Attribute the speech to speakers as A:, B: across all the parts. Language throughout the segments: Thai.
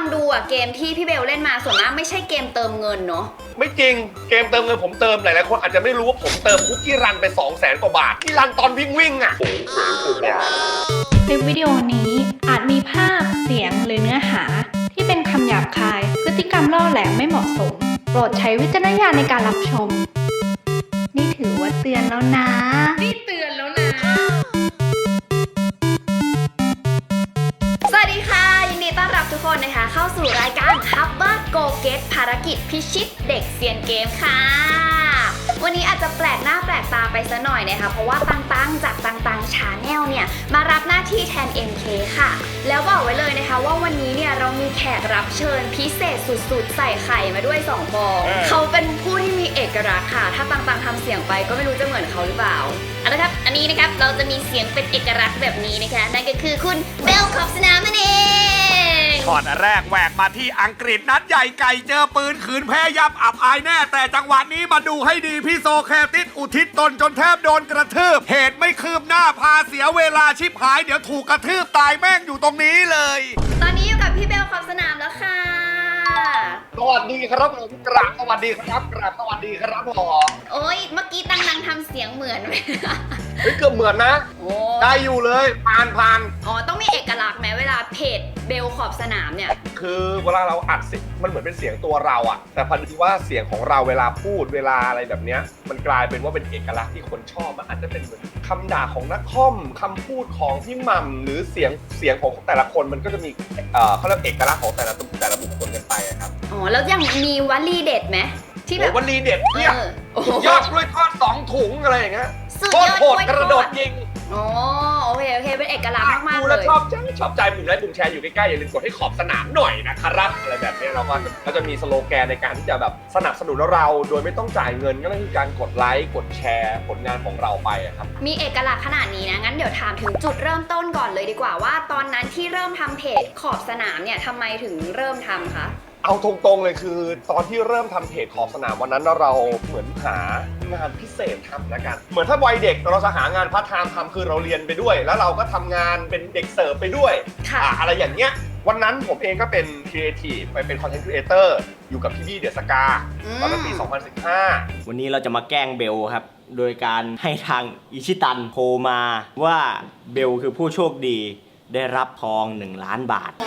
A: งดูอ่ะเกมที่พี่เบลเล่นมาส่วนมากไม่ใช่เกมเติมเงินเนาะ
B: ไม่จริงเกมเติมเงินผมเติมหลายๆคนอาจจะไม่รู้ว่าผมเติมคุกกี้รันไป 200,000 กว่าบาทที่รันตอนวิ่งอ่ะ
C: คลิปวิดีโอนี้อาจมีภาพเสียงหรือเนื้อหาที่เป็นคำหยาบคายพฤติกรรมล่อแหลมไม่เหมาะสมโปรดใช้วิจารณญาณในการรับชมนี่ถือว่าเตือนแล้วนะ
A: สวัสดีค่ะยินดีต้อนรับทุกคนนะคะเข้าสู่รายการ Hubber Go Get ภารกิจพิชิตเด็กเซียนเกมค่ะวันนี้อาจจะแปลกหน้าแปลกตาไปซะหน่อยนะคะเพราะว่าตังจากตังชาแนลเนี่ยมารับหน้าที่แทน MK ค่ะแล้วบอกไว้เลยนะคะว่าวันนี้เนี่ยเรามีแขกรับเชิญพิเศษสุดๆใส่ไข่มาด้วย2ฟองเขาเป็นผู้ที่มีเอกลักษณ์ค่ะถ้าตังทำเสียงไปก็ไม่รู้จะเหมือนเขาหรือเปล่าเอาละครับอันนี้นะครับเราจะมีเสียงเป็นเอกลักษณ์แบบนี้นะคะนั่นก็คือคุณเบลขอบสนามนั่นเอง
D: ช็อตแรกแหวกมาที่อังกฤษนัดใหญ่ไก่เจอปืนขืนแพ้ยับอับอายแน่แต่จังหวะนี้มาดูให้ดีพี่โซแคติสอุทิศตนจนแทบโดนกระทืบเหตุไม่คืบหน้าพาเสียเวลาชิบหายเดี๋ยวถูกกระทืบตายแม่งอยู่ตรงนี้เลย
A: ตอนนี้อยู่กับพี่เบลขอบสนามแล้วค่ะ
B: สวัสดีครับผมกราบสวัสดีครับกราบสวัสดีครับผม
A: โอ้ยเมื่อกี้ตังทำเสียงเหมือนไหม
B: เฮ้ยเกือบเหมือนนะได้อยู่เลยผ่าน
A: อ๋อต้องมีเอกลักษณ์ไหมเวลาเพจเบลขอบสนามเนี่ย
B: คือเวลาเราอัดเสียงมันเหมือนเป็นเสียงตัวเราอะแต่พอดีว่าเสียงของเราเวลาพูดเวลาอะไรแบบเนี้ยมันกลายเป็นว่าเป็นเอกลักษณ์ที่คนชอบมันอาจจะเป็นเหมือนคำด่าของนักคอมคำพูดของพี่หม่ำหรือเสียงของแต่ละคนมันก็จะมีเขาเรียกเอกลักษณ์ของแต่ละบุคคลกันไปครับ
A: อ๋อแล้วยังมีวลีเด็ดไหมที่แบบ
B: วลีเด็ดเนี่ยสุดยอดกล้วยทอด2 ถุงอะไรอย่างเงี้ยโคตรโหดกระโดดยิง
A: อ๋อโอเคเป็นเอกลักษณ์มากๆเลย
B: ดูแล้วชอบใจปุ่มไลค์ปุ่มแชร์อยู่ใกล้ๆอย่าลืมกดให้ขอบสนามหน่อยนะครับอะไรแบบนี้เราก็จะมีสโลแกนในการที่จะแบบสนับสนุนเราโดยไม่ต้องจ่ายเงินก็คือการกดไลค์กดแชร์ผลงานของเราไปครับ
A: มีเอกลักษณ์ขนาดนี้นะงั้นเดี๋ยวถามถึงจุดเริ่มต้นก่อนเลยดีกว่าว่าตอนนั้นที่เริ่มทำเพจขอบสนามเนี่ยทำไมถึงเริ่มทำคะ
B: เอาตรงๆเลยคือตอนที่เริ่มทำเพจขอบสนามวันนั้นเราเหมือนหางานพิเศษทำละกันเหมือนถ้าวัยเด็กเราจะหางานพาร์ทไทม์ทำคือเราเรียนไปด้วยแล้วเราก็ทำงานเป็นเด็กเสิร์ฟไปด้วยอะไรอย่างเงี้ยวันนั้นผมเองก็เป็นครีเอทีฟไปเป็นคอนเทนต์ครีเอเตอร์อยู่กับพี่บี้เดอะสกาตอนนั้นปี 2015
E: วันนี้เราจะมาแกล้งเบลครับโดยการให้ทางอิชิตันโทรมาว่าเบลคือผู้โชคดีได้รับทอง1 ล้านบาท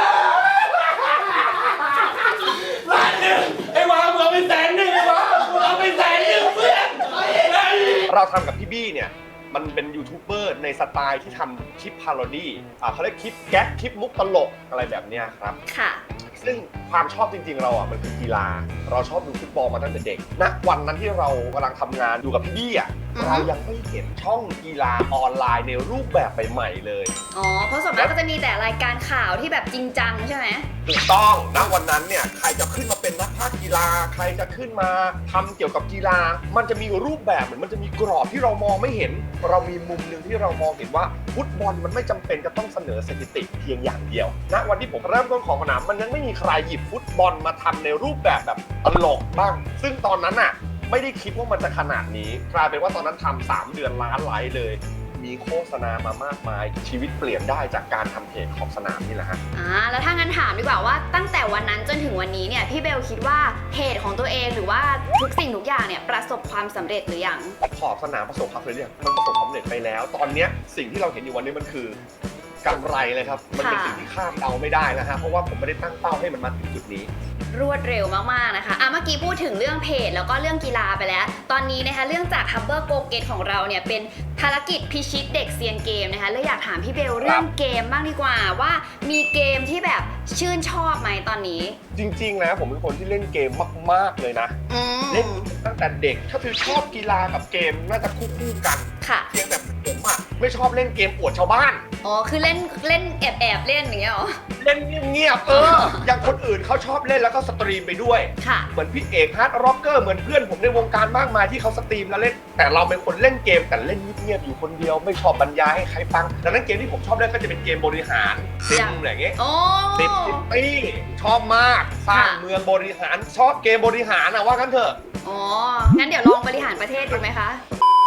B: เราทำกับพี่บี้เนี่ยมันเป็นยูทูบเบอร์ในสไตล์ที่ทำคลิปพาโรดี้เขาเรียกคลิปแก๊กคลิปมุกตลกอะไรแบบเนี้ยครับ
A: ค่ะ
B: ซึ่งความชอบจริงๆเรามันคือกีฬาเราชอบดูฟุตบอลมาตั้งแต่เด็กณวันนั้นที่เรากำลังทำงานอยู่กับพี่บี้เรายังไม่เห็นช่องกีฬาออนไลน์ในรูปแบบใหม่ๆเลย
A: อ๋อเพราะส่วนมากก็จะมีแต่รายการข่าวที่แบบจริงจังใช่ไหม
B: ถูกต้องณวันนั้นเนี่ยใครจะขึ้นมาเป็นนักพากย์กีฬาใครจะขึ้นมาทำเกี่ยวกับกีฬามันจะมีรูปแบบเหมือนมันจะมีกรอบที่เรามองไม่เห็นเรามีมุมหนึ่งที่เรามองเห็นว่าฟุตบอลมันไม่จำเป็นจะต้องเสนอสถิติเพียงอย่างเดียวณวันที่ผมเริ่มต้นของสนามมันยังไม่มีใครหยิบฟุตบอลมาทำในรูปแบบตลกบ้างซึ่งตอนนั้นน่ะไม่ได้คิดว่ามันจะขนาดนี้กลายเป็นว่าตอนนั้นทำ3 เดือนล้านไลค์เลยมีโฆษณามามากมายชีวิตเปลี่ยนได้จากการทำเพจขอบสนามนี่แหละฮะ
A: แล้วถ้างั้นถามดีกว่าว่าตั้งแต่วันนั้นจนถึงวันนี้เนี่ยพี่เบลคิดว่าเพจของตัวเองหรือว่าทุกสิ่งทุกอย่างเนี่ยประสบความสำเร็จหรือยัง
B: ขอบสนามประสบความสำเร็จยังมันประสบความสำเร็จไปแล้วตอนนี้สิ่งที่เราเห็นอยู่วันนี้มันคือกำไรเลยครับมันเป็นสิ่งที่คาดเดาไม่ได้นะฮะเพราะว่าผมไม่ได้ตั้งเป้าให้มันมาถึงจุดนี้
A: รวดเร็วมากๆนะคะเมื่อกี้พูดถึงเรื่องเพจแล้วก็เรื่องกีฬาไปแล้วตอนนี้นะคะเรื่องจาก Hubber Go Get ของเราเนี่ยเป็นภารกิจพิชิตเด็กเซียนเกมนะคะเลยอยากถามพี่เบลเรื่องเกมบ้างดีกว่าว่ามีเกมที่แบบชื่นชอบไหมตอนนี้
B: จริงๆนะผมเป็นคนที่เล่นเกมมากๆเลยนะเล่นตั้งแต่เด็กถ้าคือชอบกีฬากับเกมน่าจะคู่กัน
A: ค่ะ
B: เพียงแต่ผมไม่ชอบเล่นเกมอวดชาวบ้าน
A: อ๋อคือเล่นแอบเล่นอย่างเงี้ยหรอ
B: เล่นเงียบอย่างคนอื่นเขาชอบเล่นแล้วก็สตรีมไปด้วยเหมือนพี่เอกฮาร์ดร็อกเกอร์เหมือนเพื่อนผมในวงการมากมายที่เขาสตรีมแล้วเล่นแต่เราเป็นคนเล่นเกมแต่เล่นเงียบๆอยู่คนเดียวไม่ชอบบรรยายให้ใครฟังดังนั้นเกมที่ผมชอบเล่นก็จะเป็นเกมบริหารซิมอะไรเงี้ยซิตี้ชอบมากสร้างเมืองบริหารชอบเกมบริหารว่ากันเถอะ
A: อ๋องั้นเดี๋ยวลองบริหารประเทศดูไหมคะ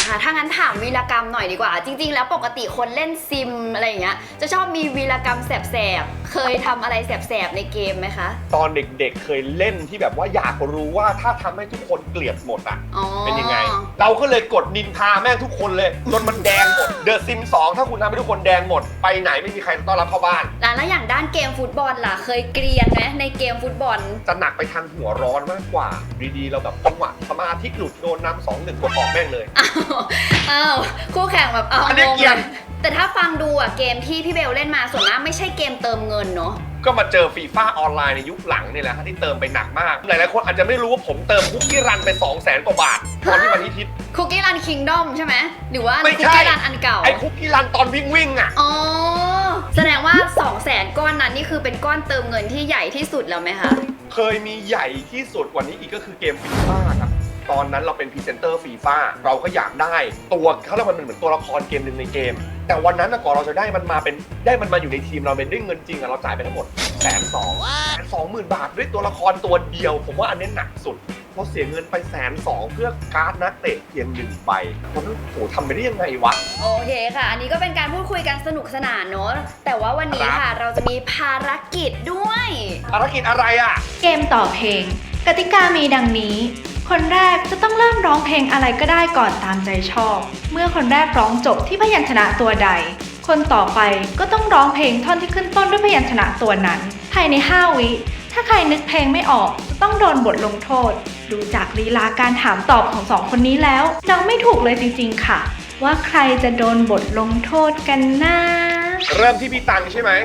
A: ค่ะ ถ้างั้นถามวีรกรรมหน่อยดีกว่า จริง ๆ แล้วปกติคนเล่นซิมอะไรอย่างเงี้ย จะชอบมีวีรกรรมแสบๆ เคยทำอะไรแสบๆในเกมไหมคะ
B: ตอนเด็กๆเคยเล่นที่แบบว่าอยากรู้ว่าถ้าทำให้ทุกคนเกลียดหมดอ่ะ
A: อ๋อ
B: เป็นยังไง เราก็เลยกดนินทาแม่งทุกคนเลยจนมันแดงหมด เดอะซิม2ถ้าคุณทำให้ทุกคนแดงหมด ไปไหนไม่มีใครต้อนรับเข้าบ้าน
A: แล้วอย่างด้านเกมฟุตบอลล่ะ เคยเกรียนไหมในเกมฟุตบอล
B: จะหนักไปทางหัวร้อนมากกว่าดีๆเราแบบจังหวะสมาธิหลุดโดนนำ2-1กดออกแม่งเลย
A: อ้าวคู่แข่งแบบเอา
B: อันนี้
A: งง
B: เกรียน
A: แต่ถ้าฟังดูอะเกมที่พี่เบลเล่นมาส่วนมากไม่ใช่เกมเติมเงินเนาะ
B: ก็มาเจอฟีฟ่าออนไลน์ในยุคหลังนี่แหละฮะที่เติมไปหนักมาก หลายๆคนอาจจะไม่รู้ว่าผมเติมคุกกี้รันไป 200,000 กว่าบาทตอนที่มันฮิต
A: คุกกี้รันคิงดอมใช่ไหมหรือว่า
B: ไม่
A: คุก
B: ใช่
A: กี้รันอันเก่า
B: ไอ้คุกกี้รันตอนวิ่งอ่ะ
A: อ๋อ แสดงว่า 200,000 ก้อนนั้นนี่คือเป็นก้อนเติมเงินที่ใหญ่ที่สุดแล้วไหมคะ
B: เคยมีใหญ่ที่สุดกว่านี้อีกก็คือเกมฟีฟ่าครับ ตอนนั้นเราเป็นพรีเซนเตอร์ฟีฟ่าเราก็อยากได้ตัวเขาเรียกว่ามันเหมือนตัวละครเกมหนึ่งในเกม แต่วันนั้นก่อนเราจะได้มันมาอยู่ในทีมเราเป็นด้วยเงินจริงอะเราจ่ายไปทั้งหมด120,000 บาทด้วยตัวละครตัวเดียว ผมว่าอันนี้หนักสุดเราเสียเงินไป120,000เพื่อการ์ดนักเตะเพียง1 ใบวันนั้นโหทำไปได้ยังไงวะ
A: โอเคค่ะ อันนี้ก็เป็นการพูดคุยกันสนุกสนานเนอะแต่ว่าวันนี้ค่ะเราจะมีภารกิจด้วย
B: ภารกิจอะไรอ่ะ
C: เกมต่อเพลง กติกามีดังนี้ คนแรกจะต้องเริ่มร้องเพลงอะไรก็ได้ก่อนตามใจชอบ เมื่อคนแรกร้องจบที่พยัญชนะตัวใด คนต่อไปก็ต้องร้องเพลงท่อนที่ขึ้นต้นด้วยพยัญชนะตัวนั้น ภายใน 5 วิ ถ้าใครนึกเพลงไม่ออกจะต้องโดนบทลงโทษ ดูจากลีลาการถามตอบของ2 คนนี้แล้วเดาไม่ถูกเลยจริงๆค่ะ ว่าใครจะโดนบทลงโทษกันนะ
B: เริ่มที่พี่ตังใช่ไหม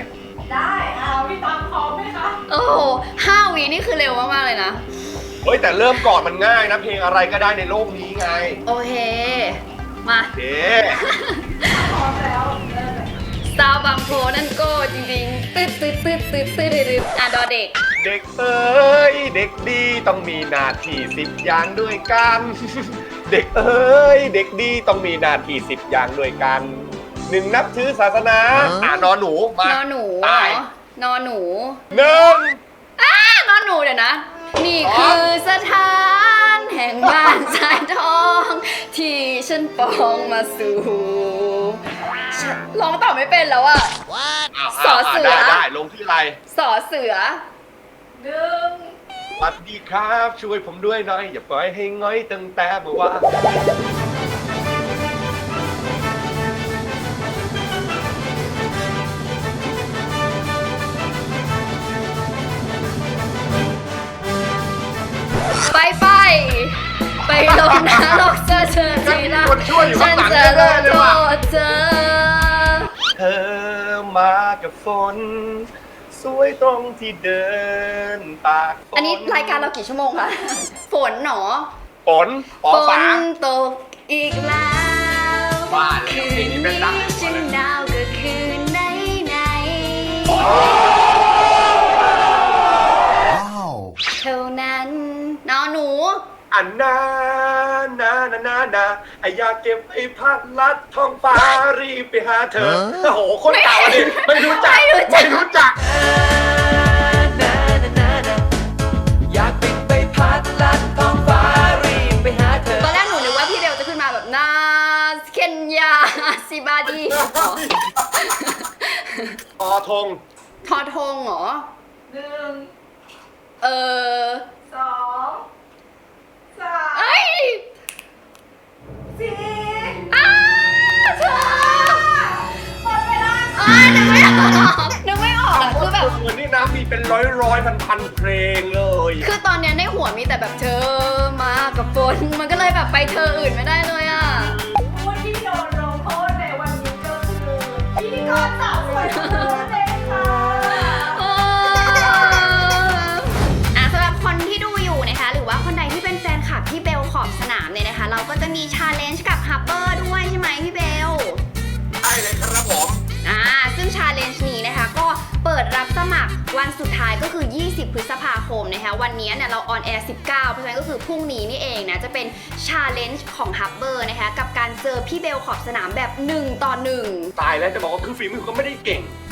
A: โอ้โห5 วินี่คือเร็วมากๆเลยนะ
B: เฮ้ยแต่เริ่มก่อนมันง่ายนะเพลงอะไรก็ได้ในโลกนี้ไง
A: โอเค มา
B: โอเค
A: สาวบางโพนั่นก็จริงๆตืดอ่ะดอเด็ก
B: เด็กเอ้ยเด็กดีต้องมีหน้าที่10 อย่างด้วยกัน เด็กเอ้ยเด็กดีต้องมีหน้าที่10 อย่างด้วยกัน 1. นับถือศาสนานอนหนูมาน
A: อนหนู
B: ตาย
A: นอนหนู
B: 1
A: นอนหนูเดี๋ยวนะ นี่คือสถานแห่งบ้านสายทอง ที่ฉันปองมาสู่ฉันร้องต่อไม่เป็นแล้วอะ สอเสือ
B: ได้ลงที่อะไร
A: สอเสือ
B: สวัสดีครับช่วยผมด้วยหน่อย อย่าปล่อยให้ง้อยตั้งแต่เมื่อวาน
A: ไปลงนรกเจอทีละ
B: คนช่วยอยู่
A: ฉั
B: ข้าง
A: น
B: หลัง
A: จะ
B: แน่
A: ล
B: ๆเลย
A: โท
B: ว่ะ
A: ษเธอ
B: เธอมากับฝน สวยตรงที่เดินตากฝน
A: อันนี้รายการเรากี่ชั่วโมงคะ ฝนหนอ
B: ฝนปอ
A: ฝ
B: ฝาน
A: ตกอีกแล้ว
B: บ้าแล้ว
A: คื
B: เพลง
A: น
B: นี้เป็นดัง
A: นี้ฉันหนาวก็คืนไหน เท่านั้นนอนหนู
B: อันนาไออยากเก็บไอ้พัดลัดท้องฟ้ารีบไปหาเธอ โอ้โห คนเก่าอันนี้ไม่รู้จัก ไม่รู้จัก
F: อยากบินไปพัดลัดท้องฟ้ารีบไปหาเธอ
A: ตอนแรกหนูนึกว่าพี่เบลจะขึ้นมาแบบนาเคนยาซิบาดี
B: อธง
A: ทอทงเหรอ เอ้ยอ้าวเธอหมดเวลานึกไม่ออกอะคือแบบ
B: เหมือนนี่นะมีเป็นร้อยพันเพลงเลย
A: คือตอนเนี้ยในหัวมีแต่แบบเธอมากับฝนมันก็เลยแบบไปเธออื่นไม่ได้เลยอะ
G: ผู้ที่โดนลงโทษในวันนี้ก็คือพิธีกรสาวสวยของเราเองค่ะ
A: สำหรับคนที่ดูอยู่นะคะหรือว่าคนใดที่เป็นแฟนคลับพี่เบลขอบสนามเนี่ยนะคะเราก็จะมีชาเลนจ์กับฮับเบอร์ด้วยใช่ไหมพี่เบล
B: ใช่เลยครับผม
A: ซึ่งชาเลนจ์นี้นะคะก็เปิดรับสมัครวันสุดท้ายก็คือ20 พฤษภาคมนะคะวันนี้เนี่ยเราออนแอร์19เพราะฉะนั้นก็คือพรุ่งนี้นี่เองนะจะเป็นชาเลนจ์ของฮับเบอร์นะคะกับการเจอพี่เบลขอบสนามแบบ1 ต่อ 1
B: ตายแล้วจะบอกว่าคือฝีมือก็ไม่ได้เก่ง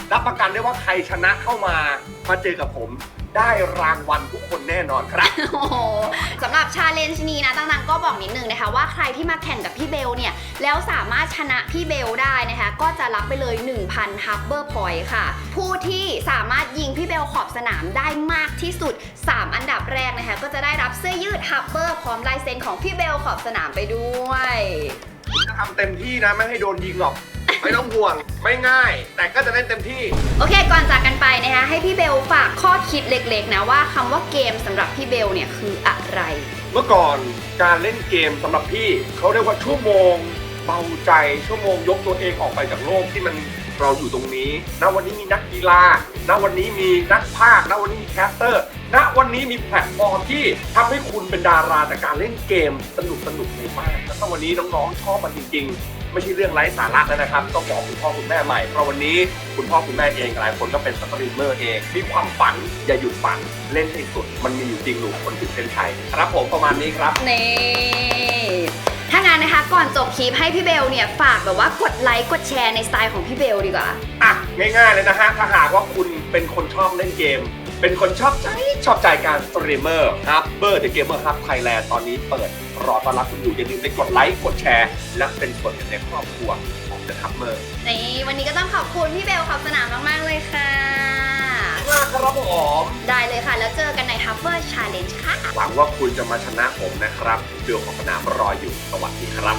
B: รับประกันได้ว่าใครชนะเข้ามาเจอกับผมได้รางวัลทุกคนแน่นอนครับ
A: โอ้โหสำหรับชาเลนจ์นี้นะตังๆก็บอกนิดนึงนะคะว่าใครที่มาแข่งกับพี่เบลเนี่ยแล้วสามารถชนะพี่เบลได้นะคะก็จะรับไปเลย 1,000 Harbor Point ค่ะผู้ที่สามารถยิงพี่เบลขอบสนามได้มากที่สุด 3 อันดับแรกนะคะก็จะได้รับเสื้อยืด Harbor พร้อมลายเซ็นของพี่เบลขอบสนามไปด้วย
B: จะทำเต็มที่นะไม่ให้โดนยิงหรอก ไม่ต้องห่วงไม่ง่าย แต่ก็จะเล่นเต็มที่
A: โอเคก่อนจากกันไปนะคะให้พี่เบลฝากข้อคิดเล็กๆนะว่าคำว่าเกมสำหรับพี่เบลเนี่ยคืออะไร
B: เมื่อก่อนการเล่นเกมสำหรับพี่เขาเรียกว่าชั่วโมงเบาใจชั่วโมงยกตัวเองออกไปจากโลกที่มันเราอยู่ตรงนี้ณวันนี้มีนักกีฬาณวันนี้มีนักพากย์ณวันนี้มีแคสเตอร์ณวันนี้มีแพลตฟอร์มที่ทำให้คุณเป็นดาราจากการเล่นเกมสนุกในบ้านแล้วถ้าวันนี้น้องๆชอบมันจริงๆไม่ใช่เรื่องไร้สาระแล้วนะครับต้องบอกคุณพ่อคุณแม่ใหม่เพราะวันนี้คุณพ่อคุณแม่เองหลายคนก็เป็นสตรีมเมอร์เองมีความฝันอย่าหยุดฝันเล่นให้สุดมันมีอยู่จริงหนูคนถึงเส้นชัยครับผมประมาณนี้ครับ
A: นี่ถ้างั้นนะคะก่อนจบคลิปให้พี่เบลเนี่ยฝากแบบว่ากดไลค์กดแชร์ในสไตล์ของพี่เบลดีกว่า
B: อ่ะง่ายๆเลยนะฮะถ้าหากว่าคุณเป็นคนชอบเล่นเกม เป็นคนชอบใจการสตรีมเมอร์ครับเบอร์เดอะเกมเมอร์ครับไทยแลนด์ตอนนี้เปิดรอต้อนรับคุณอยู่อย่าลืมไปกดไลค์กดแชร์และเป็นส่วนหนึ่งในครอบครัวของเดอะคัพเมอร์
A: นี่วันนี้ก็ต้องขอบคุณพี่เบลขอบสนามมากๆเลยค่ะ
B: มากครับผม
A: ได้เลยค่ะแล้วเจอกันใน Harbor Challenge ค่ะ
B: หวังว่าคุณจะมาชนะผมนะครับเดือของสนามรออยู่สวัสดีครับ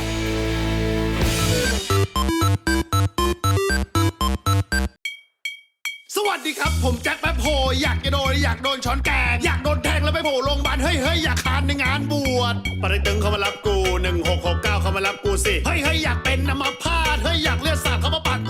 H: สวัสดีครับผมแจ็คแป๊บโฮอยากจะโดนช้อนแกงอยากโดนแทงแล้วไปโผล่โรงพยาบาลเฮ้ยอยากคานในงานบวชปริตึงเขามารับกู1669เขามารับกูสิเฮ้ยอยากเป็นอัมพาตเฮ้ยอยากเลือดสาดเขามาปาด